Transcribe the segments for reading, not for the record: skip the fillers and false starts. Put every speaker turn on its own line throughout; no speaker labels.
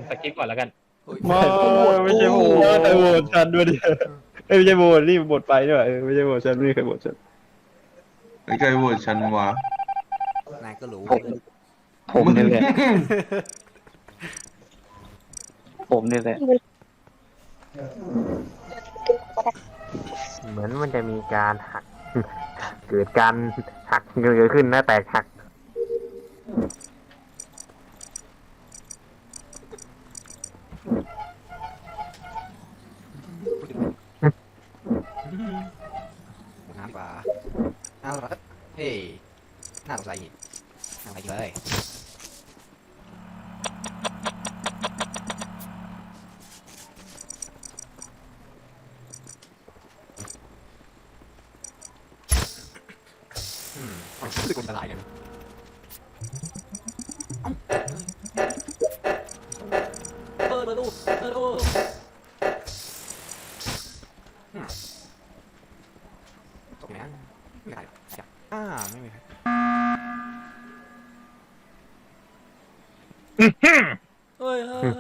สกิปก่อนแล้วกัน
ไม่ไม่ใช่โหวตแต่โหวตฉันด้วยดิไม่ใช่โหวตนี่โหวตไปด้วยไม่ใช่โหวตฉันไม่เคยโหวตฉัน
ไม่เคยโหวตฉันวะ
นายก็รู้
ผมนี่แหละผมนี่แหละ
เหมือนมันจะมีการหัก เกิดการหักเกิดขึ้นนะแตกหัก
น้ำปลาเอาละเฮ้ยน่าสงสัยอีกน่าสงสัยเลยรู้สึกอันตรายกันเปิดประตูตกนะไม่ได้จับไม่มีใครเฮ้ย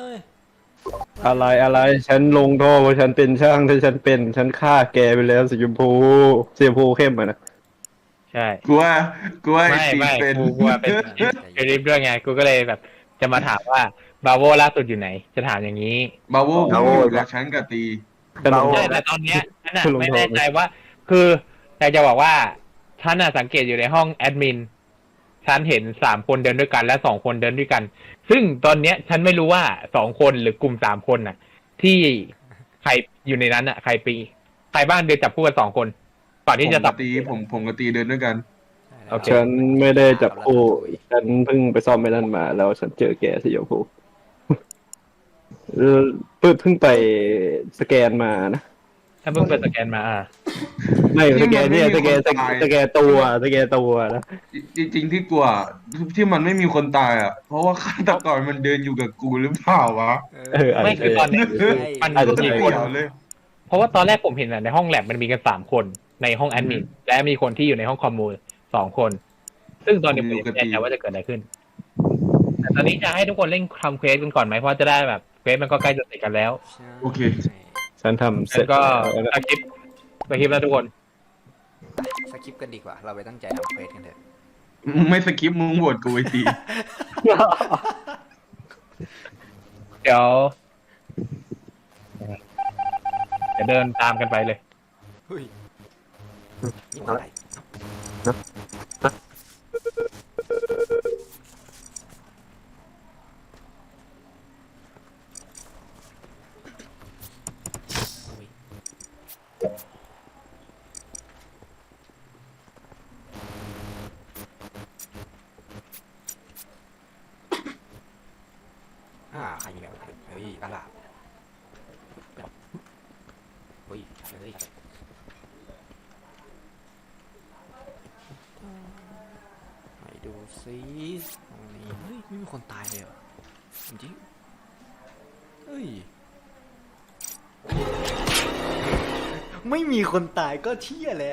อะไรฉันลงท่อเพราะฉันเป็นช่างถ้าฉันฆ่าแกไปแล้วสีชมพูเข้มอ่ะนะ
ใช่
กลัวไอ้
ไม่
ตี
ไม่
เป็น
กูว่าเป็นเอลิฟด้วยไงกูก็เลยแบบจะมาถามว่าบาโวล่าสุดอยู่ไหน จะถามอย่างนี้
บาโวเพิ่งอยู่กับฉันกับตี
ฉันลงท่
ใช่
อ
แต่ตอนเนี้ยฉันอะ
ลง
ไม่
ท่อ
แน่ใจว่า คืออยากจะบอกว่าฉันอะสังเกตอยู่ในห้องแอดมินฉันเห็น3 คนเดินด้วยกันและ2 คนเดินด้วยกัน ซึ่งตอนเนี้ยฉันไม่รู้ว่า2 คนหรือกลุ่ม3 คนน่ะ ที่ใครอยู่ในนั้นอะใครบ้างเดินจับคู่กัน2 คนก่อนที่จะ
ผม
ตั
กั
บบ
ตีผมกับตีเดินด้วยกัน
โอเค
ฉันไม่ได้จับคู่ฉันเพิ่งไปซ่อมไม่นั่นมาแล้วฉันเจอแกสีชมพูเพิ่งไปสแกนมานะ
ถ้าเพิ่งไปสแกนมา
ไม่สแกนเนี่ยสแกน
ที่มันไม่มีคนตาย
สแกนตัวนะ
จริงๆที่กลัวที่มันไม่มีคนตายอ่ะ เพราะว่าฆาตกรมันเดินอยู่กับกูหรือเปล่าวะ
ไม่คือตอนเนี้ยมัน
อาจจะ
มี
ไม่
คน
เกี่ยวเลย
เพราะว่าตอนแรกผมเห็นอะในห้องแลบมันมีกัน3 คนในห้องแอดมินและมีคนที่อยู่ในห้องคอมมู2 คน ซึ่งตอนนี้ผมยังไม่แน่ใจว่าจะเกิดอะไรขึ้น แต่ตอนนี้จะให้ทุกคนเล่นทำเควสกันก่อนไหมเพราะจะได้แบบเควสมันก็ใกล้จะเสร็จกันแล้ว
โอเค
ฉันทำเสร็
แล้
จ
วก็
แล้วนะ
สกิปแล้วทุกคน
สกิปกันดีกว่า เราไปตั้งใจทำเควสกันเถอะ
ไม่สกิปมึงโหวตกูไอ้ตี
เดี๋ยวจะเดินตามกันไปเลย
เฮ้ยนี่มันอะไรอุ๊ยใครมีแบบเฮ้ยกระลาบเฮ้ยเฮ้ยไปดูซิตรงนี้เฮ้ยไม่มีคนตายเลยเหรอจริงๆเฮ้ยไม่มีคนตายก็เที่ยแหละ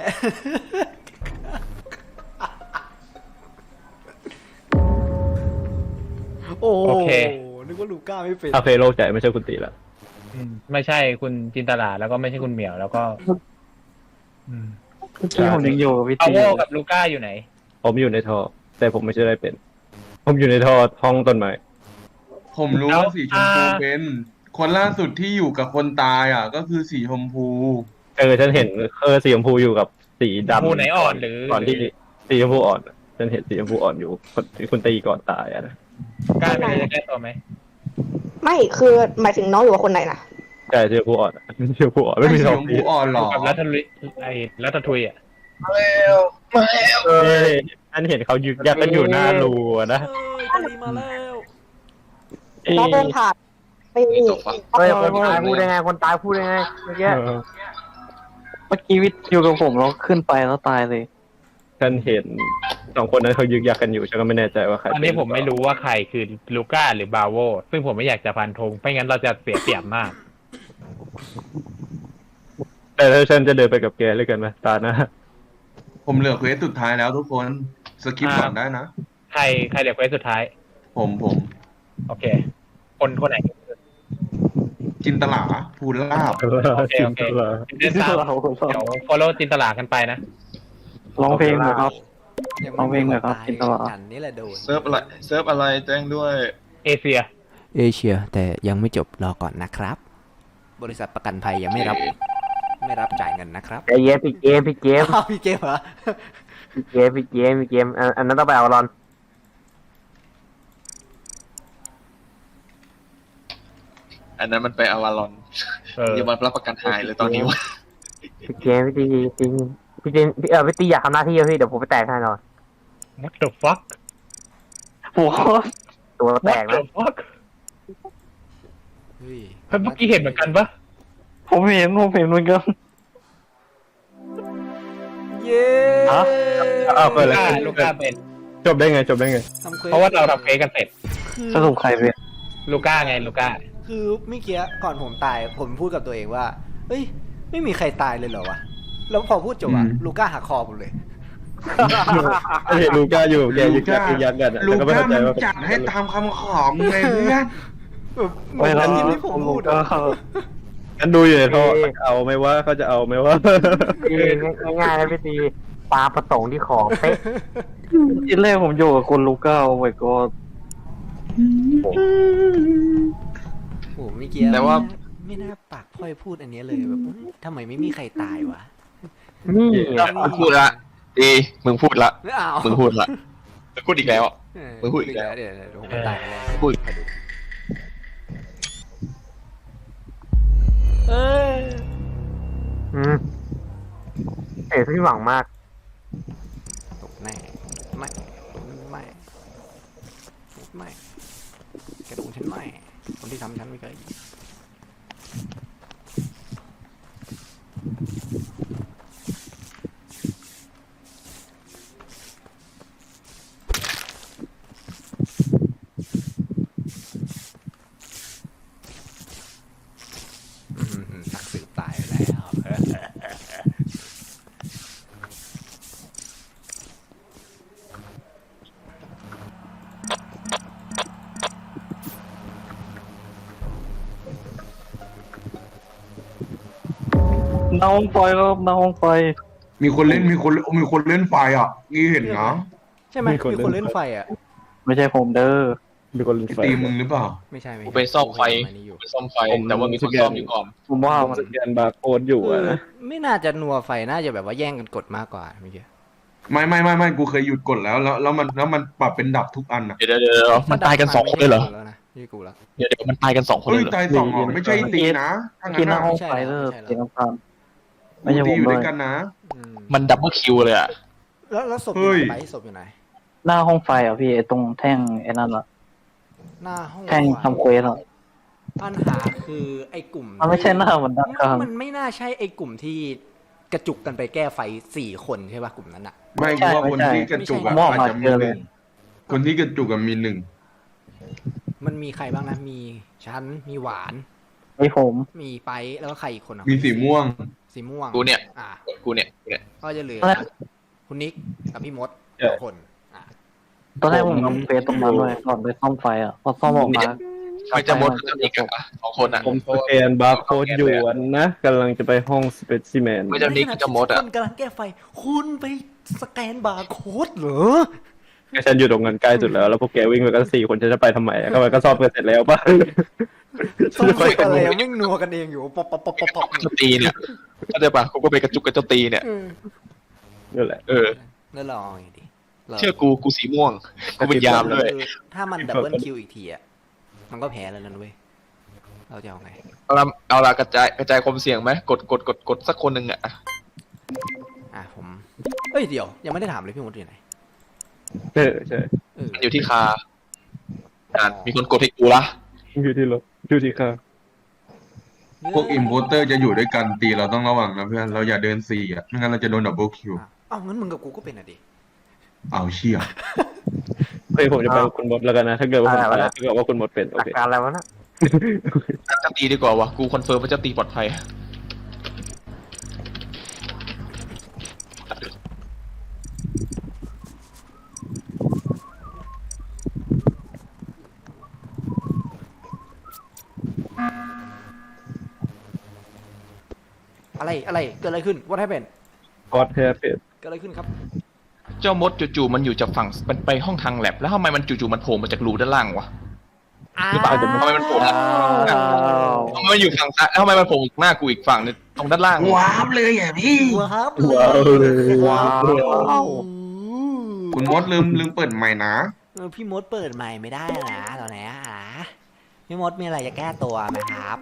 โอ้
โอเค
นึกว่าลูก้าไม่เป็น
โอเคโล่งใจไม่ใช่คุณตีแล้ว
ไม่ใช่คุณจินตลาแล้วก็ไม่ใช่คุณเหมียวแล้วก็
เมื่อกี้ผมยังอยู่กับพี่
พาว
ตี
โวกับลูก้าอยู่ไหน
ผมอยู่ในท่อแต่ผมไม่ใช่ได้เป็น ผมอยู่ในท่อห้องต้นไม้
ผมรู้ว่าสีชมพูเป็น คนล่าสุดที่อยู่กับคนตายอ่ะ ก็คือสีชมพู
ฉันเห็นสีชมพูอยู่กับสีดำ
ผู้ไหนอ่อนหรือ
ก่อนที่สีชมพูอ่อนฉันเห็นสีชมพูอ่อนอยู่คุณตีก่อนตายอะนะ
กล้าไปจะแก้ตัวไหม
ไม่คือหมายถึงน้องอยู่กับคนไหนนะ
ใช่สีชมพูอ่อนสีชมพูอ่อนไม่
ไม่
มี
สี
ทอ
ช
ง
ม
สี
พูอ่อนหรอ
กับรัตทุยรัตทุยอ่ะ
ฉันเห็นเขายึกยักกันอยู่หน้ารูอะนะ
ตาลีมาแล้ว
น้องเดินผ่านไปนี่
เฮ้ยคนตายพูดได้ไงคนตายพูดได้ไงเมื่อกี้
เมื่อกี้วิทย์อยู่กับผมแล้วขึ้นไปแล้วตายเลย
ฉันเห็น2 คนนั้นเขายึกยักกันอยู่ฉันก็ไม่แน่ใจว่าใคร
ตอนนี้ผมไม่รู้ว่าใครคือลูก้าหรือบาโวซึ่งผมไม่อยากจะพันธงไม่งั้นเราจะเสียเปรียบมาก
แต่ถ้าฉันจะเดินไปกับแกเลยกันไหมตาหน้า
ผมเหลือเควสสุดท้ายแล้วทุกคน สกิปก่อนได้นะ
ใครเดี๋ยวเควสสุดท้าย
ผม
โอเค คนไหน
จินตลาภูลาบ
โอเคโอเคเดี๋ยวตามเดี๋ยว follow จินตลากันไปนะ
ร้องเพลงหน่อยครับ
ยัง
เอาเพลงหน่อยครับ
ตาย
กินตลอด
กันนี่แหละโดน
เซิร์ฟอะไรแจ้งด้วย
เอเชีย
เอเชียแต่ยังไม่จบรอก่อนนะครับ บริษัทประกันภัยยังไม่รับจ่ายเงินนะครับ
ใจเย็นพี่เกม
อ้าวพี่เกมเหรอ
พี่เกมอันนั้นต้องไปเอารอน
อันนั้นมันไปอวารอน อย่ามารับประกันหายเลยตอนนี้วะ
พี่เกมพี่ตีพี่ตีอยากทำหน้าที่พี่เดี๋ยวผมไปแตกให้หน่อย
what the fuck
โอ้โห
ตัวแต
what
ก
the
นะ
fuck
เฮ้ย
เฮ้ยเมื่อกี้เห็นเหมือนกันปะ
ผมเห็นเหมือนกัน
เย้
ฮะ อ้าวเปิดเลย
ลูก้าเป็น
จบได้ไง
ทำควส
เพราะว่าเราทำเฟซกันเสร็จ
สรุปใครเป็น
ลูก้าไงลูก้า
คือเมื่อกี้ก่อนผมตายผมพูดกับตัวเองว่าเฮ้ยไม่มีใครตายเลยเหรอวะแล้วพอพูดจบอะลูก้าหักคอผมเลย
เห็นลูก้าอยู่แกยืนยันกันอะ
ลู
แต่ก็ไม่
ก้า
เข้าใจ
มัน
ว่า
จัดให้ตามคำขอไงเพื่อน
แบบเหมือนที่ผมพูดอะ
กันดูอยู่ในท่อเอาไหมว่าเขาจะเอาไหมว่า
ง่ายๆนะพี่ตีปลาประสงค์ที่ของเป๊ะ
ทีแรกผมอยู่กับคุณลูก้าโอ้ my god
โอ้โหเมื่อกี้
แต่ว่า
ไม่น่าปากพร่อยพูดอันเนี้ยเลยแบบทำไมไม่มีใครตายวะ
นี่
มึงพูดละดีมึงพูดละ
ไม่เอา
มึงพูดละมึงพูดอีกแล้ว
เออ
มึงพูดอีกแล้ว
เดี๋ยวผมตายไปแล้ว
พูด
เอ้ย
เอ๋พี่หวังมาก
ตกแน่ไม่กระดูกฉันไม่คนที่ทำฉันไม่เคยนักสืบตายไปแล้ว
น้องไฟครับน้องไฟ
มีคนเล่นไฟอ่ะนี่เห็นนะ
ใช่ไหมมีคนเล่นไฟอ่ะ
ไม่ใช่ผมเด้อ
มีคนเล่นไฟ
ตีมึงหรือเปล่า
ไม่ใช่
กูไปซ่อมไฟ
อันนี้อยู่
ไปซ่อมไฟ แต่ว่ามีคนซ่อมอยู่ก่อน
ผมว่ามัน
สแกนบาร์โค้ดอยู่อะนะ
ไม่น่าจะนัวไฟน่าจะแบบว่าแย่งกันกดมากกว่าเมื่อกี้
ไม่กูเคยหยุดกดแล้วมันปรับเป็นดับทุกอันอ่ะ
เดี๋ยวมันตายกัน2 คนเลยเหรอ
แล้วนะนี่กูแล้ว
เดี๋ยวมันตายกัน2 คนเล
เฮ้ย
ยเหรอ
ตายสองเหรอไม่ใช่ตีนะถ้า
กิ
งั้
น
น
หน้า
อ่ะ
ห้องไฟเด้อกินน้ำตาลไม่
กู
ใช่ผ
ตี
ม
อยู่
เล
ด้วย ยกันนะ
มันดับเบิลคิวเลยอ่ะ
แล้วศพอ
เฮ้
ยู่
ย
ไหนไปศพอยู่ไหน
หน้าห้องไฟอ่ะพี่ไอ้ตรงแท่งไอ้นั่นอ่ะ
หน้าห้อง
แท่งทำเควสอ่ะ
ปัญหาคือไอ้กลุ่ม
มันไม่ใช่หน้าเหมือนด้านข้าง
มันไม่น่าใช่ไอ้กลุ่มที่กระจุกกันไปแก้ไฟ4 คนใช่ป่ะกลุ่มนั้นอ่ะ
ไม่กูว่าคนที่กระจุกอะ
มอง
อาจ
มา
จะ
เจ
มี
อ
ห
เล
นึ่
ย
งคนที่กระจุกอะมีหนึ่ง
มันมีใครบ้างนะมีฉันมีหวาน
ไอ้ผม
มีไปแล้วก็ใครอีกคนอ่ะ
มีสีม่วง
สีม่วง
กูเนี่ย
อ่ะ
กูเนี่ย
ก็จะเหลือคุณนิกกับพี่มด2 คนอ่ะ
ตอนแรกผมทำเควสตรงนั้นเลยก่อนไปซ่อมไฟอ่ะพอซ่อมออกมา
ไม่จะมดจะอีกอ่ะ2 คนอ่ะ
ผมสแกนบาร์โค้ดอยู่นะกำลังจะไปห้องสเปซิเมน
ไม่จะนิกจะมดอ่ะ
คนกำลังแก้ไฟ คุณไปสแกนบาร์โค้ดเหรอ
ฉันอยู่ตรงนั้นใกล้สุดแล้วพวกแกวิ่งไปกัน4 คนฉันจะไปทำไมก็มันก็ซ่อมกันเสร็จแล้วป่ะ
ต้องฝึกอะไรอะวิ่งนัวกันเองอยู่ป๊อปป๊อปป๊อปป๊อปป๊อป
เจ้าตีเนี่ยเข้าใจปะกูก็ไปกระจุกกับเจ้าตีเนี่ย
นั่นแหละ
แล้วลองไงดิ
เชื่อกูสีม่วงกูเป็นยามด้วย
คือถ้ามันดับเบิลคิวอีกทีอ่ะมันก็แพ้แล้วนั่นเว้ยเราจะเอาไง
เอาละกระจายความเสี่ยงไหมกดสักคนหนึ่งอ่ะ
ผมเอ้ยเดี๋ยวยังไม่ได้ถามเลยพี่มดอยู่ไหน
ใช่
มันอยู่ที่คามีคนกดให้กูละ
อยู่ที่รถอยู่ที่ข้าง
พวกอิมโพเตอร์จะอยู่ด้วยกันตีเราต้องระวังนะเพื่อนเราอย่าเดินสี่อ่ะไม่งั้นเราจะโดนดับเบิลคิว
อ้าวงั้นมึงกับกูก็เป็นอ่ะดิ
เอาเชี่ย
เฮ้ยผมจะไปกับคุณมดแล้วกันนะถ้าเกิดว่าผมถ้าเกิดว่าคุณมดเป็นโอ
อา
เค
การอะไรวะนะ
เจ้าตีดีกว่าวะกูคอนเฟิร์มว่าเจ้าตีปลอดภัย
อะไรเกิดอะไรขึ้น What happened
กอดแฮปปี้
เกิดอะไรขึ้นครับ
เจ้ามดจู่ๆมันอยู่จากฝั่งมันไปห้องทางแลบแล้วทำไมมันจู่ๆมันโผล่มาจากรูด้านล่างวะ หรือเปล่าทำไมมันโผล่มาทำไมมันอยู่ฝั่งซ้ายแล้วทำไมมันโผล่หน้ากูอีกฝั่งนึงตรงด้านล่าง
ว้าวเลยอ่ะพี่
ว้าว
ว้าวเลย
ว้าว
คุณมดลืมเปิดใหม่นะ
พี่มดเปิดใหม่ไม่ได้นะตอนนี้พี่มดมีอะไรจะแก้ตัวไหมครับ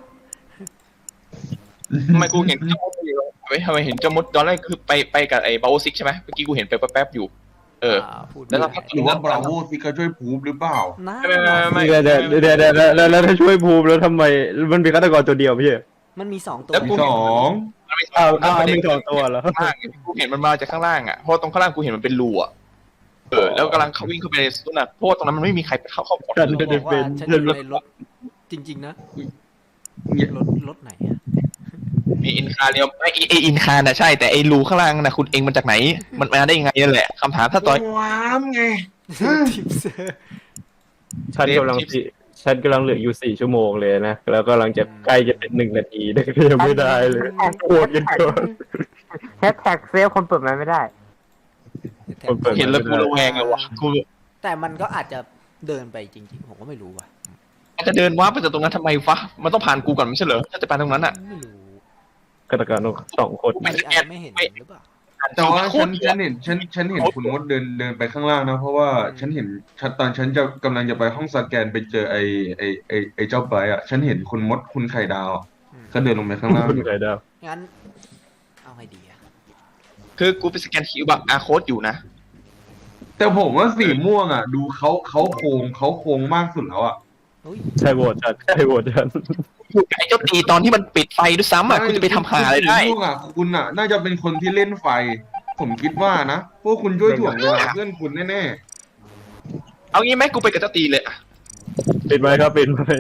ทำไมกูเห็นเจ้ามดอยู่ทำไมเห็นเจ้ามดตอนแรกคือไปกับไอ้บาโอซิกใช่ไหมเมื่อกี้กูเห็นไปแป๊บๆอยู่
พูด
แล้วเรา
หรือว่าบราโวซิก็ช่วยพูบหรือเปล่า
นะ
ไม่
เดี๋ยวแล้วถ้าช่วยภูมิแล้วทำไมมันมีฆาตกรตัวเดียวไม่ใช่
มันมี2ตัว
แล้วกู
สอง
มีสองตัวเหรอ
ข้างล่างกูเห็นมันมาจากข้างล่างอ่ะเพราะตรงข้างล่างกูเห็นมันเป็นรูอ่ะแล้วกำลังเขาวิ่งเข้าไปในสุนัขเพราะว่าตรงนั้นมันไม่มีใครเข้าหมด
ฉัน
บ
ไม่
อก
ได้เป็
ว่าน ฉันอยู่ในรถจริงๆนะรถไหนอะ
มีอินคาเรียมไออินคาน่ะใช่แต่ไอรูข้างล่างน่ะคุณเองมันจากไหน มันมาได้ยังไงนั่นแหละคำถามถ้าต่อย
ว้ามไง
ทิปเซอร์
ฉันกำลังเหลืออยู่4 ชั่วโมงเลยนะแล้วก็กำลังจะใกล้จะเป็น1 นาทีแต่ก็ยังไม่ได้เลยโคตรกันเกิน
แฮชแท็กเซฟคนเปิดมันไม่ได้
เห็นแล้วกูระแวงเลยวะกู
แต่มันก็อาจจะเดินไปจริงๆผมก็ไม่รู้ว่ะ
จะเดินว้าไปจากตรงนั้นทำไมวะมันต้องผ่านกูก่อนไม่ใช่เหรอถ้าจะไปตรงนั้นอ่ะ
ไม่รู้
ฆาตกร2 คน
อาจจะไม่เห็นหรือเปล่า
แต่ว่าฉันเห็นคุณมดเดินไปข้างล่างนะเพราะว่าฉันเห็นตอนฉันจะกำลังจะไปห้องสแกนไปเจอไอเจ้าไบร์ทอ่ะฉันเห็นคุณมดคุณไข่ดาวก็เดินลงไปข้างล่าง
คุณไข่ดาว
งั้นเอาไงดีอะ
คือกูไปสแกนคิวบักอาร์โค้ดอยู่นะ
แต่ผมว่าสีม่วงอ่ะ ดูเขาโค้งมากสุดแล้วอ่ะ
เฮ้ย
ใช่โหวตฉัน
อยู่กับไอ้เจ้าตีตอนที่มันปิดไฟด้วยซ้ำอ่ะคุณจะไปทำหาอะไรได้
สีม่วงอ่ะคุณอ่ะ น่าจะเป็นคนที่เล่นไฟ ผมคิดว่านะพวกคุณช่วยถ่วงเวลาเพื่อนคุณแน่
เอางี้ไหมกูไปกับเจ้าตีเลยอ่ะ
ปิดไหมครับปิดไหม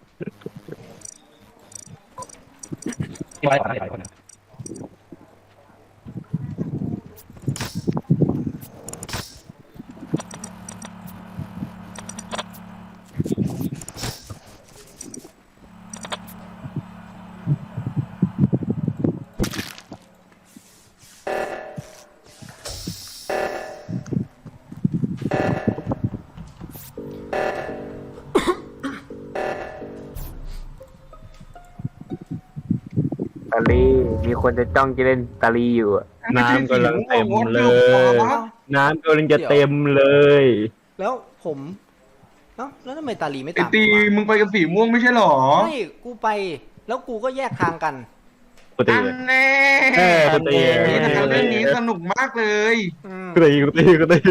ตาลีมีคนจะจ้องจะเล่นตาลีอยู่อะ
ๆ
น้ำกำลังเต็มเลย น้ำกำลังจะเต็มเลย
แล้วผมเอ้าแล้วทำไมตาลีไม่
ไอ
ตาม
ตี
กูวะ
มึงไปกับสีม่วงไม่ใช่หรอ
ไม่กูไปแล้วกูก็แยกทางกัน
กูตี
อันแน่
กูตี
นี่นะครับเรื่องนี้สนุกมากเลย
กูตี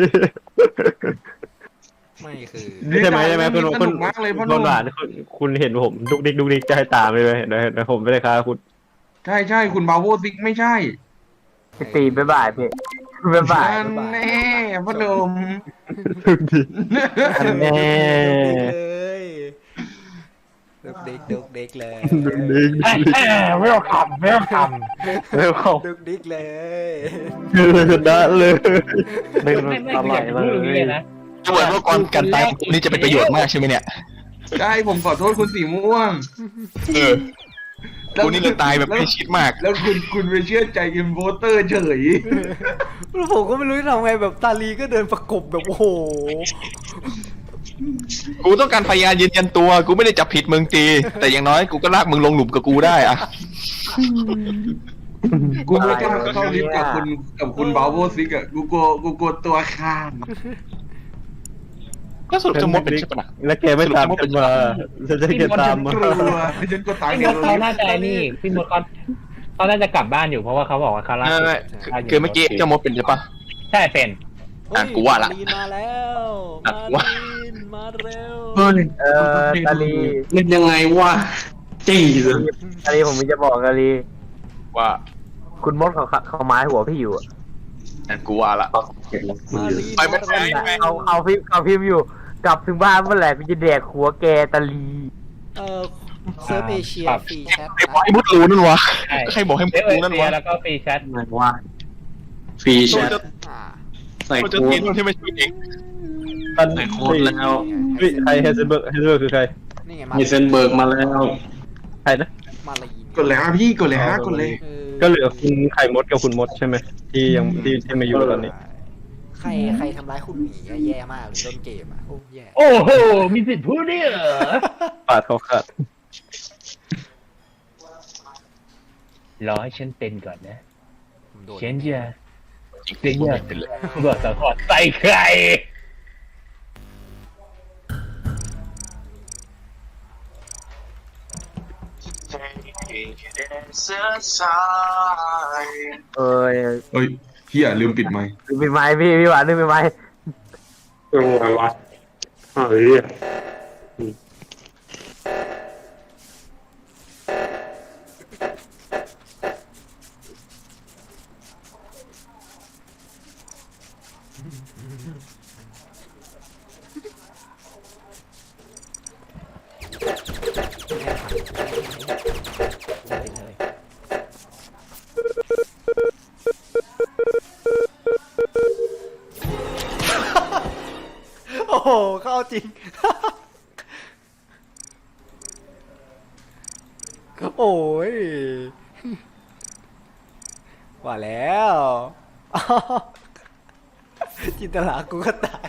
ไม่คือ
ใช่ไหมคุณ
สนุกมากเลยพ่อห
ค
นุ่
น
ม
หวานคุณเห็นผมดุกดิกจะให้ตามเลยเห็นไหมผมไม่ได้ค้าคุณ
ใช่คุณบาโวซิกไม่ใช่
ไปตีบ๊ายบายพี่บ๊ายบาย
อันแน่พ่อหนุ่ม
ดุกดิกอันแน่
เลยดุกเด็กเลย
ดุกดิก
ไม่เอาคำ
แล้วเขา
ดุกดิกเลย
ชนะเลย
ไม่อยากพูดอย่างนี้เลยนะ
จะบอกว่าก่อนการตายของกูนี่จะเป็นประโยชน์มากใช่ไหมเนี่ย
ใช่ผมขอโทษคุณสีม่วง
กูนี่เลยตายแบบไม่ชิดมาก
แล้วคุณไปเชื่อใจอินโวเตอร์เฉย
แล้วผมก็ไม่รู้จะทำไงแบบตาลีก็เดินประกบแบบโอ้โห
กูต้องการพยานยืนยันตัว กูไม่ได้จับผิดมึงตี แต่อย่างน้อยกูก็ลากมึงลงหลุมกับกูได้อะ
กูไม่กล้าเข้าลิฟต์กับคุณบาโวซิกอะกูกลัวตัวข้าม
แล้วสรุปจะมดเป็นใช่ปะนะ
แล้วแกไม่ตามฉันมาฉันจะแกตามมา
กลัวฉันก็ตาย
พี่มดเขาน่าจะนี่พี่มดเขาน่าจะกลับบ้านอยู่เพราะว่าเขาบอกว่าเขาลา
ไม่คือเมื่อกี้เจ้ามดเป็นใช่ปะ
ใช่เป็น
อ่ะกูว่าละ
มาลีนมาแล้ว
อ่ะกูว่า
มาลีนมาเร็ว
ตาลี
เล่นยังไงวะจี้เลย
ตาลีผมมีจะบอกตาลี
ว่า
คุณมดเขาไม้หัวพี่อยู่อะ
กูว่าละ
มาลีน
ไปไม่ได้
เขาพิมพ์อยู่ กลับถึงบ้านเมื่อไหร่กูจะแดกหัวแกตาลี
เซิร์ฟเอเชียฟรีแชท
ใครบอกให้มุดรู้นั่นวะใครบอกให้มุดรู้นั่นวะ
แล้วก็ฟรีแชท
ไหนวะฟรีแชท
อ่า
ใส่
กูจะ
โค้
ตี
ด
นที่ไม่ช่วยเอง
ใส่โค้ดแล้ว
ใครเฮเซนเบิร์กคือใคร
นี่ไง
มีเซนเบิร์กมาแล้ว
ใครนะ
มาลีน
กดเลยพี่กดเลยกดเลย
เออ
ก็เหลือคุณไข่มดกับคุณมดใช่ไหมที่ยังที่มาอยู่ตอนนี้
ใครทำร้ายคุณหมีอะแย่มากเลยต้นเกมอ่ะโอ้แย่
โอ้โห มีสิทธิ์พูดด้วยเหรอ
ปาดเขาขาด
รอให้ฉันเป็นก่อนนะ
ผมโดน
ฉันจะ
จริง
เสีย
พูด
ง
ไม่เป็นเลย
บทสังหรณ์ใส่ใคร
เอ้ย
เฮ้ยเฮียลืมปิดไมค์
เป็นไม้พี่หวานนึกเป็นไม้
โอ้ยวะเฮ้ย
โอ้โหเข้าจริง โอ้ยว่าแล้ว จินตลากูก็ตาย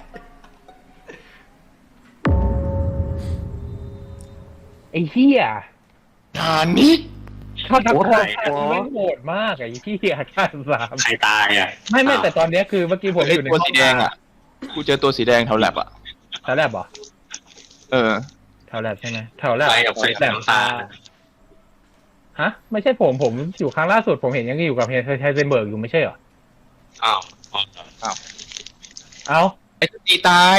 ไอ้เหี้ย
ทานนี้
ฆาตกรไม่งโหดมากไอ้เหี้ยฆ่าสาม
ใครตายอ่ะ
ไม่แต่ตอนเนี้ยคือเมื่อกี้ผม
ไอ้
อยู่ใน
ตัวสีแดงอ่ะ กูเจอตัวสีแดงแถวแลบอ่ะ
แถวแลบเหรอ
เออ
แถวแลบใช่ไหมแถวแลบ
ใครกับใคร
แลบ
น้ำตาล
ฮะ ไม่ใช่ผมอยู่ครั้งล่าสุดผมเห็นยังอยู่กับเฮเซนเบิร์กอยู่ไม่ใช่เหรอ
อ้าว
เอ้า
ไอ้ตีตาย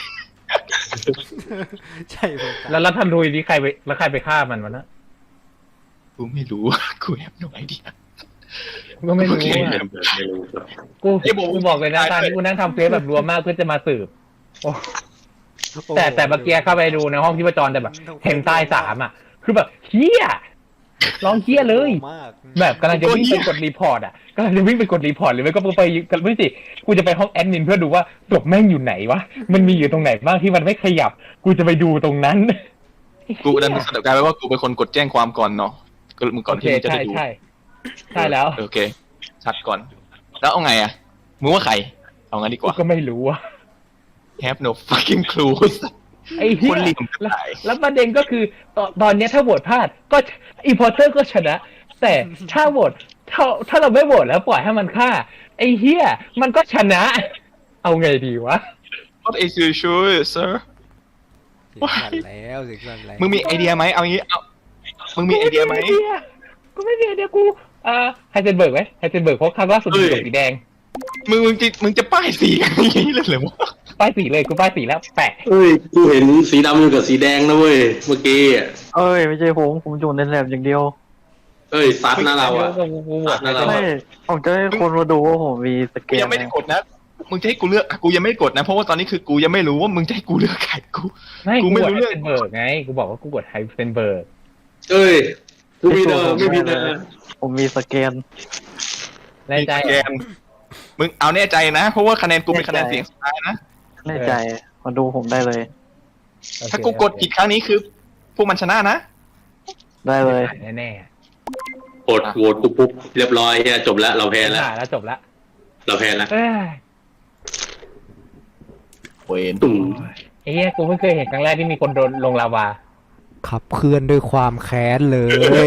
ใช่ผมตาย
แล้วทันรุยนี่ใครไปฆ่ามันวะนะ
กูไม่รู้ กูแอบหน่อยดิ
ก็ไม่รู้
โอเค
อ่ะ
ไม่รู้
กูบอกเลยนะตอนนี้กูนั่งทำเฟซแบบรวมมากเพื่อจะมาสืบโอ้แต่เมื่อกี้เข้าไปดูในห้องที่ประจรแต่แบบ เห็นตายสามอ่ะ คือแบบเฮี้ยร้องเฮี้ยเลย
มาก
แบบกำลังจะวิ่งไปกดรีพอร์ตอ่ะกำลังจะวิ่งไปกดรีพอร์ตหรือไม่ก็ไปไม่สิกูจะไปห้องแอดมินเพื่อดูว่าศพแม่งอยู่ไหนวะมันมีอยู่ตรงไหนบ้างที่มันไม่ขยับ กูจะไปดูตรงนั้น
กูดันสรุปกลายเป็นว่ากูเป็นคนกดแจ้งความก่อนเนาะก็มึงก่อนที่มึงจะ
ใช่
ได้ดู
ใช่แล้ว
โอเค ชัดก่อน แล้วเอาไงอ่ะ มึงว่าใคร เอางั้นดีก
กู
ว่า
ก็ไม่รู้อ่ะ
have no fucking clue
ไอ้เหี้
คน
ย
รีบ
แล้วประเด็นก็คือตอนเนี้ยถ้าโหวตพลาดก็อีพอร์เตอร์ก็ชนะ แต่ถ้าโหวตถ้าเราไม่โหวตแล้วปล่อยให้มันฆ่า ไอ้เหี้ยมันก็ชนะ เอาไงดีวะ
What is your choice sir
เสียงสั่นแล้วเสียงสั่นแล้ว
มึงมีไอเดียไหมเอางี้เอามึงมีไอเดียไหม
กูไม่มีไอเดียกูไฮเซนเบิร์กไหมไฮเซนเบิร์กเพราะครั้งล่าสุดอยู่กับสีแดง
มึงจะป้ายสีกันอย่างนี้เลยเหรอวะ
ป้ายสีเลยกูป้ายสีแล้วแปะ
เฮ้ย กูเห็นสีดำอยู่กับสีแดงนะเว้ย เมื่อกี้อะ
เอ้ยไม่ใช่ผมอยู่ในแลบอย่างเดียว
เอ้ยซัดนะเราอ่ะ
กูโหวต
นั่นแหละ
ไม่ผมจะให้คนมาดูว่าผมมีสเก
กู
ล
ยังไม่ได้กดนะ มึงจะให้กูเลือกอ่ะกูยังไม่ได้กดนะ เพราะว่าตอนนี้คือกูยังไม่รู้ว่ามึงจะให้กูเลือกใครกู
ไม่
กู
กู
ไม่
โหวต
รู้
ไฮ
เรื่อง
เซนเบิร์กไงกูบอกว่ากูโหวตไฮเซนเบิร์ก
เอ้ย กูมีเดิมไม่มีเดิม
ผมมีสเกล
แน่ใจ
แกนมึงเอาแน่ใจนะ เพราะว่าคะแนนกูเป็นคะแนนเสียงสุดท้ายนะ
แน่ใจมาดูผมได้เลย
ถ้ากูกดผิดครั้งนี้คือ พวกมันชนะนะ
ได้เลย
แน่
กดโหวตกูปุ๊บเรียบร้อยเฮียจบแล้ว เราแพ้
ๆ
แล้ว
แล้วจบละ
เราแพ้แล้ว
เอ้ย
เวน
ตุ่ม
ไอ้เหี้ยกูเพิ่งเคยเห็นครั้งแรกที่มีคนโดนลงลาวา
ขับเคลื่อนด้วยความแค้นเลย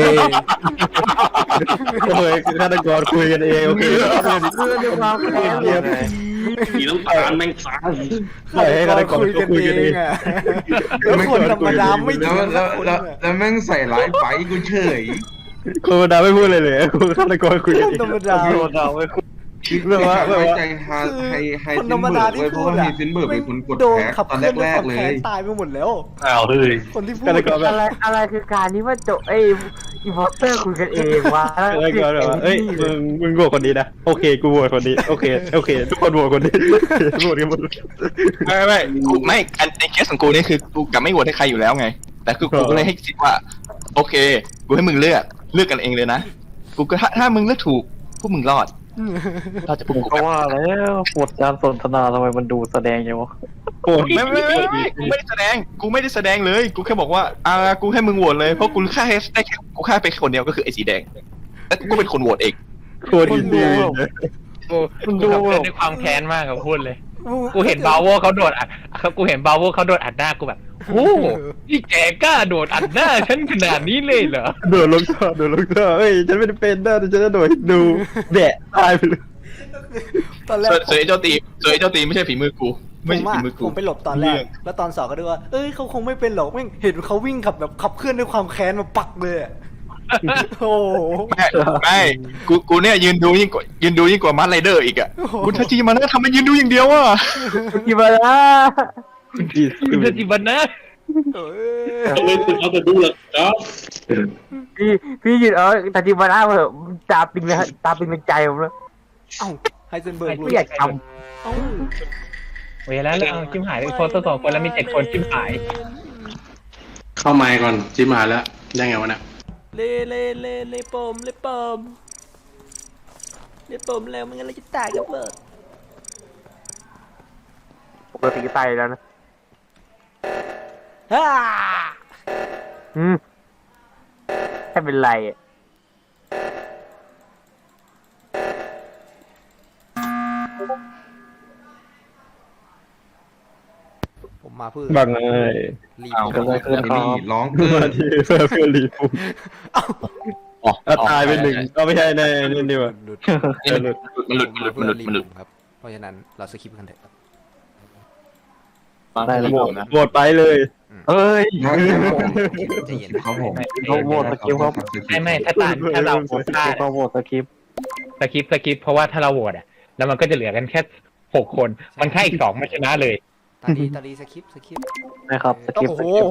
โอ้ยฆาตกรคุยกันเองโอเค
ด้วยความแค้นเลย
สีน้ำตาลแม่งฟ้า
ปล่อยให้ฆาตกร
คุยกัน
คุยกัน
เอ
เอง ง
อะแล้วคนธรรมดาไม่
แล้ว
ถึง
แล้ว
คน
แล้ว
อะ
แล้วแม่งใส่ร้ายไปกูเฉย
คนธรรมดาไม่พูดเลยกูฆาตกรคุยกันเอง
ธรรมดา
เรื่องว่า
ไว้ใจไฮ
คน
ซิ
ธร
น
รม
เบิ
ดา
ร์ก
ที่
เว้ยเพ
พู
ราะ
ด
ว่า
อะ
ไฮซินเบิร์กเป็นคนกด
โดน
แท็ก
ขับ
ตอน
เคลื่อนด้วย
แร
ค
ก ๆเล
วามแค้
ย
นตายไปหมดแล้ว
อ้าวเฮ้ย
คนที่พูด
ฆาตกรแบบ
อะไรคือการที่ว่าโจอีพอร์เตอร์คุยกันเองวะ
ฆาตกรแบบว่าเอ้ยมึงโหวตคนนี้นะโอเคกูโหวตคนนี้โอเคทุกคนโหวตคนนี้โหวตกันหมด
ไม่กูไม่อันในเคสของกูนี่คือกูกับไม่โหวตให้ใครอยู่แล้วไง แต่คือกูก็เลยให้สิทธิ์ว่า โอเค กูให้มึงเลือกกันเองเลยนะกูก็ถ้ามึงเลือกถูกพวกมึงรอดเราจะพวกกู
เพราะว่าแล้วบทการสนทนาทำไมมันดูแสดงอย่างวะ
โหวต
ไม่กูไม่ได้แสดงเลย กูแค่บอกว่ากูให้มึงโหวตเลยเพราะกูแค่ได้แค่กูแค่ไปคนเดียวก็คือไอ้สีแดงแล้วกูก็เป็นคนโหวตเอง
โคตรอินดี้เลย
กูขับเคลื่อนด้วยความแค้นมากกับพูดเลย กูเห็นบาโวเขาโดดอัดกูเห็นบาโวเขาโดดอัดหน้ากูแบบโอ้นี่แกกล้าโดดอัดหน้าฉันขนาดนี้เลยเหรอ
โดดลงท่อเฮ้ยฉันไม่ได้เป็นนะแต่ฉันจะโดดให้ดูแบะตายไปเลย
ตอนแรก
เสือไอ้เจ้าตีไม่ใช่ฝีมือกู ไม่ใช่ฝีมือกู
ผมไปหลบตอนแรก แล้วตอนสองก็ดูว่าเอ้ยเขาคงไม่เป็นหรอกแม่งเห็นเขาวิ่งขับเคลื่อนด้วยความแค้นมาปักเลยอะโอ้โห
ไม่กูเนี่ยยืนดูยิ่งกว่ามาร์ไรเดอร์อีกอ่ะคุณทาจิมานะทำไมยืนดูอย่างเดียวอ่ะ
กี่บาละ
คุณจะจิบันนะ
เอ้ย
เอาเลยคุณเอาแต่ดูหรอกเนาะ
พี่หยุดแต่ที่บาละเหอะตาปิงเลยตาปิงเป็นใจผมแล้ว
เอ้าไฮเซนเบิร์ก
ไม่อยากท
เอ้า
เวลาแล้วเอาจิ้มหายเลยโฟโต้2 คนแล้วมี7 คนจิ้มหาย
เข้าไมค์ก่อนจิ้มมาแล้วได้ไงวะเนี่ย
เล่ปมแล้วไม่งั้นเราจะตายกับเบิร์ด
ำปกติก็ตายแล้วนะ
ฮ่า
แค่เป็นไรอ่ะ
ผมมาเพื่อ
บังไง
รีบ
เอา
ผม
เพื่อนนี่ร้องเกิ
มาน ที่เพื่อนรีฟู
อ๋อ
ตายไปหนึ่งก็ไม่ใช่ในนี่ดีกว่า
หลุด
มันหลุด
ผมมาเพื่อรีบผมครับ เพราะฉะนั้นเราสคิปกันเถอะครับ
ได้แล้วโหวตไปเลย
เอ้ย
ใจเย็น
ครับผม
เขาโหวตสกิปครับ
ไม่ถ้าเราโหวตพลาด
เขาโหวตสกิป
สกิปเพราะว่าถ้าเราโหวตอ่ะแล้วมันก็จะเหลือกันแค่6 คนมันแค่อีก2มันชนะเลย
ตาดีสคิป
นะครับสกิป
โอ้
ส
โห
กิป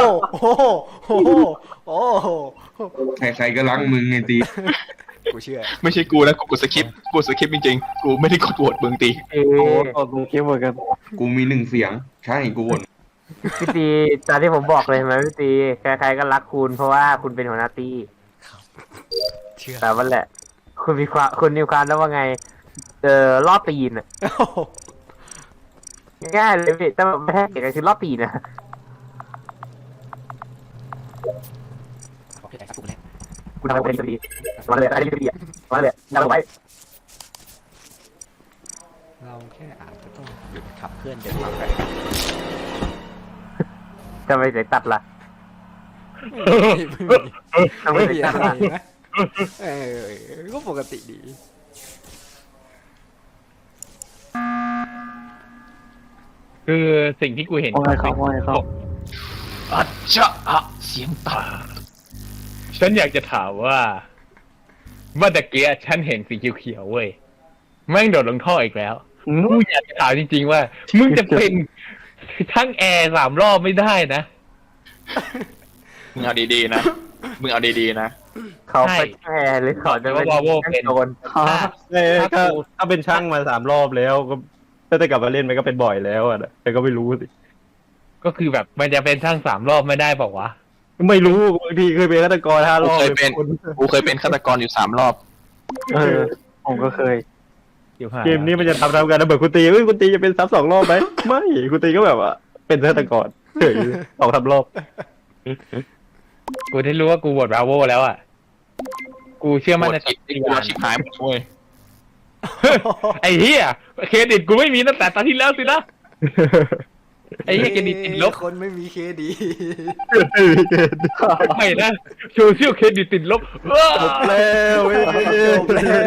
โอ้โห
ใครๆก็รักมึงไงตี
กูเชื่อ
ไม่ใช่กูนะกูกดสคริปต์จริงๆกูไม่ได้กดโหวตเมืองตี
โอ้โหสกิปเหมือนกัน
กูมี1 เสียง ใช่กูวน
พี่ตีตอนที่ผมบอกเลยใช่ไหมพี่ตีใครๆก็รักคุณเพราะว่าคุณเป็นหัวหน้าตี
เชื่อ
แต่วันแหละ คุณมีความแล้วว่าไงรอบตีนอ่ะง่ายเลยพี่แต่ไม่ใช่เด็กคือรอบตีนนะ
โอเคได้ครับกูแล้ว
คุณทำเป็นตีมาเลยอะไรตีอ่ะมาเลยจำไว้
เราแค่อาจจะต้องหยุดขับเคลื่อนเดินทางไป
จะไปไหนตัดล่ะ ทำไม
ไม่
ถึ
มี
งตั
อะ
ด
ไร
ล่ะ
นะก็ปกติดี
คือสิ่งที่กูเห็น
ว่าไงครับว่าไงครับ
อัจฉะเสียงตา
ฉันอยากจะถามว่าเมื่อตะเกียฉันเห็นสีเขียวๆเว้ยแม่งโดดลงท่ออีกแล้วกูอยากจะถามจริงๆว่า มึงจะเป็นทั้งแอร์3 รอบไม่ได้นะ
มึงเอาดีๆนะ
เขาไปแช่หรือเขาจะเป็นโดน
ถ้าเป็นช่างมา3 รอบแล้วก็ถ้าจะกลับมาเล่นมันก็เป็นบ่อยแล้วอ่ะแต่ก็ไม่รู้สิ
ก็คือแบบมันจะเป็นทั้ง3 รอบไม่ได้บอกว่าวะ
ไม่รู้บางทีเคยเป็นฆาตกร5 รอบ
กูเคยเป็นฆาตกรอยู่3 รอบ
ผมก็เคย
เกมนี้มันจะทำกันนะเบิร์คุณตีคุณตีจะเป็นซ้ำ2 รอบไหมไม่คุณตีก็แบบว่าเป็นฆาตกรเฉย2-3 รอบ
กูได้รู้ว่ากูโหวตบราโวแล้วอ่ะกูเชื่อมั่นใน
จิต
สั
ที่
ญ
กู
ญาณ
ชิบหายหมดเว้ย
ไอ้เหี้ยเครดิตกูไม่มีตั้งแต่ตอนที่แล้วสินะไอ้เหี้ยเครดิตติดลบ
คนไม่มีเครดิต
ไม่นะโซเชียลเครดิตติดลบ
จบแล้วเว้ย
จบแล้ว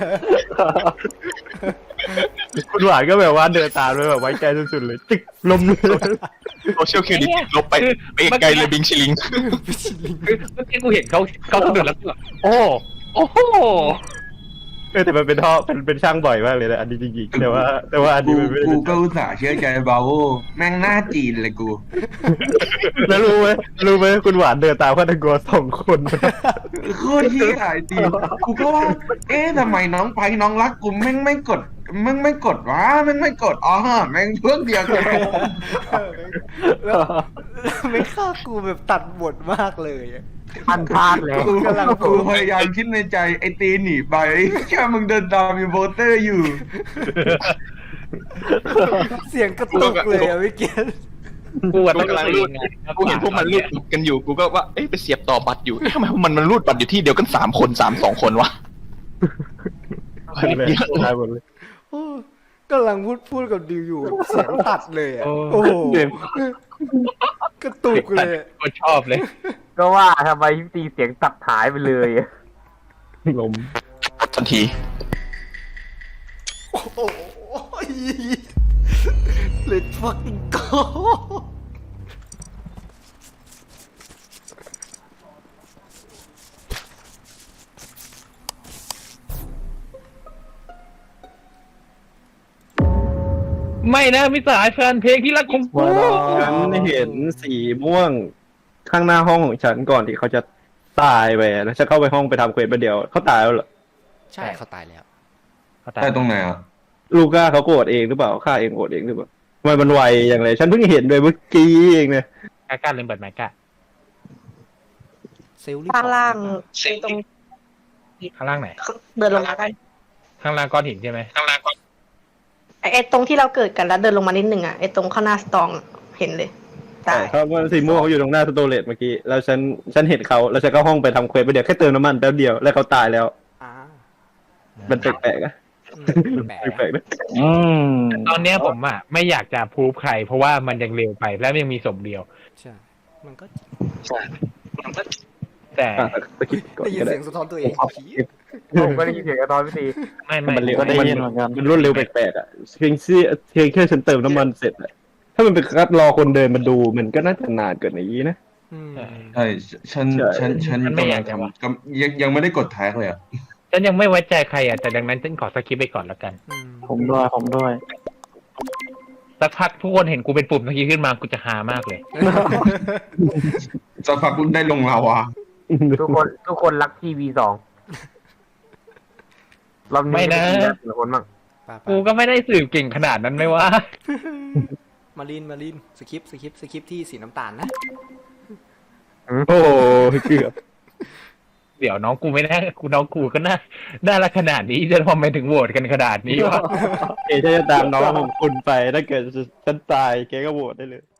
คุณหวานก็แบบว่าเดินตามเลยแบบไว้ใจสุดๆเลยติ๊กลมเลย
โซเชียลเครดิตลบไปไกลเลยบิงชิลิง
คือเมื่อกี้กูเห็นเขากระโดดแล้วกูแบบโอ้โห
แต่มันเป็นท่อเป็นช่างบ่อยมากเลยนะอันนี้จริงๆแต่ว่าอันนี้มันไม่ได้
กู
เป็น
ก็อุตส่าห์เชื่อใจบาโวแม่งหน้าจีนเลยกู
แล้วรู้ไหมคุณหวานเดินตามฆาตกร2 คน
โคตรเหี้ยไอ้ตีกูก็ว่าทำไมน้องไปน้องรักกูแม่งไม่กดวะแม่งไม่กดอ๋อแม่งพวกเดียวกัน
แล้วไม่ฆ่ากูแบบตัดบทมากเลยอะ
มันพลาดแล้ว
กูพยายามคิดในใจไอ้ตีหนีไปแค่มึงเดินตามมีโบเตอร์อยู่
เสียงกระตุกเลยอะพี่เกียรติ
กูอะ
กู
ต้อง
กำลังรูดกูเห็นพวกมันรูดกันอยู่กูก็ว่าเอ๊ะไปเสียบต่อบัตรอยู่เอ๊ะทำไมพวกมันรูดบัตรอยู่ที่เดียวกัน3 คน2 คนวะ
ตายหมดเลย
โอ้กำลังพูดกับดิวอยู่เสียงตัดเลยอะโอ้โหกระตุกเลยอะ
กูชอบเลย
ก็ว่าทำไมพี่ตีเสียงตัดหายไปเลยอะ
ลม
ทันที
โอ้โห Let's fucking go
ไม่นะมิสหายแฟนเพลงที่รักของกู
ฉันเห็นสีม่วงข้างหน้าห้องของฉันก่อนที่เขาจะตายไปแล้วฉันเข้าไปห้องไปทำเควสไปเดียวเขาตายแล้วเหรอ
ใช่เขาตายแล้ว
ใต้ตรงไหนอ่ะ
ลูก้าเขาโกรธเองหรือเปล่าฆ่าเองโกรธเองหรือเปล่าทำไมมันไวอย่างไรฉันเพิ่งเห็นเลยเมื่อกี้เองเนี่ย
กล้าเล่นเปิดไมค์กล้า
เซลล์รีบ
ข้างล่าง
บอก
ตรง
ข้างล่างไหน
เดินลงมากัน
ข้างล่างก้อนหินใช่ไหมข้างล่างก้อน
ไอ้ตรงที่เราเกิดกันแล้วเดินลงมานิดนึงอ่ะไอ้ตรงข้างหน้าสตองอะเห็นเลยตาย
เขาว่าสีม่วงเขาอยู่ตรงหน้าสโตเรจเมื่อกี้แล้วฉันเห็นเขาแล้วฉันก็ห้องไปทำเควสไปเดียวแค่เติมน้ำมันแป๊บเดียวแล้วเขาตายแล้ว
อ่า
มันแปลกๆอะ
แปลก
แปลกๆนะ
ตอนเนี้ยผมอ่ะไม่อยากจะพูดใคร เพราะว่ามันยังเร็วไปและยังมีศพเดียว
ใช่มันก็
แต่
สกิปก่อน
ได้ยิน
ก็ได้
เสียงสะท้อนตัวเองผี
ผมก็ได้ยินเสียงกระตอนพี่ตี
ไม่
มันเร็ว
ก็ได้ยินเหมือนกัน
มันรวดเร็วแปลกๆอ่ะเพียงแค่ฉันเติมน้ำมันเสร็จอะถ้ามันเป็นคัดรอคนเดินมาดูมันก็น่าจะนานเกินอย่างนี้นะ
อืม
ใช่ฉันกำลังทำยังไม่ได้กดแท็กเลยอ่ะ
ฉันยังไม่ไว้ใจใครอ่ะแต่ดังนั้นฉันขอสกิปไปก่อนแล้วกัน
อืม
ผมด้วย
สักพักทุกคนเห็นกูเป็นปุ่มสกิปขึ้นมากูจะหามากเลย
สักพักได้ลงลาวา
ทุกคนรักทีวี2รอบนี้
ไม่นะ
แต่คนบ้าง
ป่ะ
กูก็ไม่ได้สืบเก่งขนาดนั้นไหมวะ
มาลินสคริปต์ที่สีน้ำตาลนะ
โอ้เกือบ
เดี๋ยวน้องกูไม่น่าน้องกูก็น่ารักขนาดนี้จะทำไมถึงโหวตกันขนาดนี้วะ
เอจะตามน้องของคุณไปถ้าเกิดฉันตายแกก็โหวตได้เลย